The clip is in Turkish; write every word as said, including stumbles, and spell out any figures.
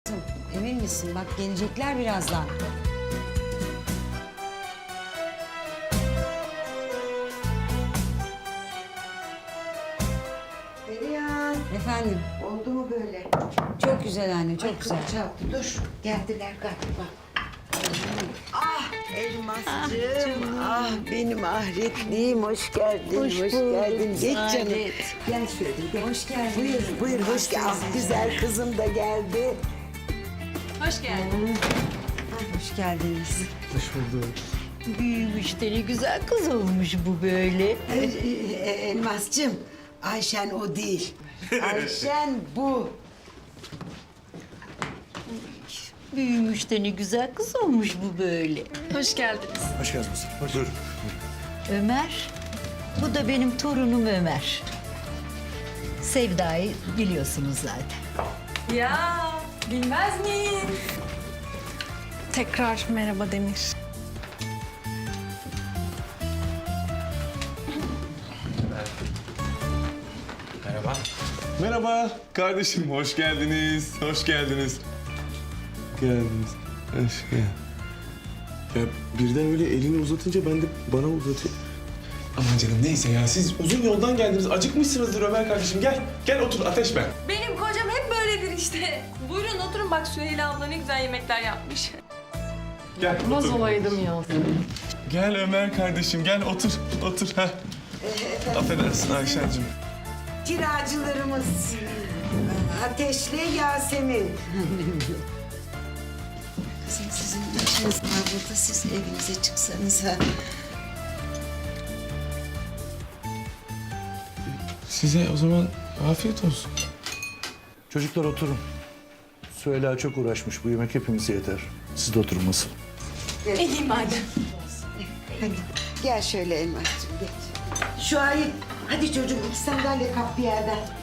Emin misin? Bak gelecekler birazdan. Perihan, Efendim, oldu mu böyle? çok güzel anne, çok Ay, güzel. kapı çaldı. Dur, geldiler galiba. Ah Elmascığım, ah benim ahretliğim. Hoş geldin, hoş, geldin. Geç canım. Gel şöyle, gel. Hoş geldin. Buyur, buyur, hoş geldin. Ah, güzel kızım da geldi. Hoş geldin. Hoş geldiniz. Büyümüş de ne güzel kız olmuş bu böyle. Ee, e, Elmascığım, Ayşen o değil. Ayşen bu. Büyümüş de ne güzel kız olmuş bu böyle. Hoş geldiniz. Hoş geldiniz. Hoş. Dur. Ömer, bu da benim torunum Ömer. Sevda'yı biliyorsunuz zaten. Ya bilmez miyim? Tekrar merhaba Demir. Merhaba. Merhaba kardeşim, hoş geldiniz, hoş geldiniz. Geldiniz, hoş geldin. Ya birden öyle elini uzatınca ben de bana uzatayım. Aman canım neyse ya, siz uzun yoldan geldiniz, acıkmışsınızdır Ömer kardeşim. Gel, gel otur, ateş ben. Benim kocam hep böyledir işte. Buyurun oturun, bak Süheyla abla ne güzel yemekler yapmış. Gel Olmaz otur. olaydım ya. Gel Ömer kardeşim, gel otur, otur. Heh. Affedersin Ayşen'cim. Kiracılarımız Ateşle Yasemin. Kızım sizin ne işiniz var burada? Siz evinize çıksanız ha. Size o zaman afiyet olsun. Çocuklar oturun. Süheyla çok uğraşmış. Bu yemek hepimize yeter. Siz de oturun masal. İyi madem. Hadi gel şöyle Elmascığım geç. Şuayb, hadi çocuğum iki sandalye kap bir yerden.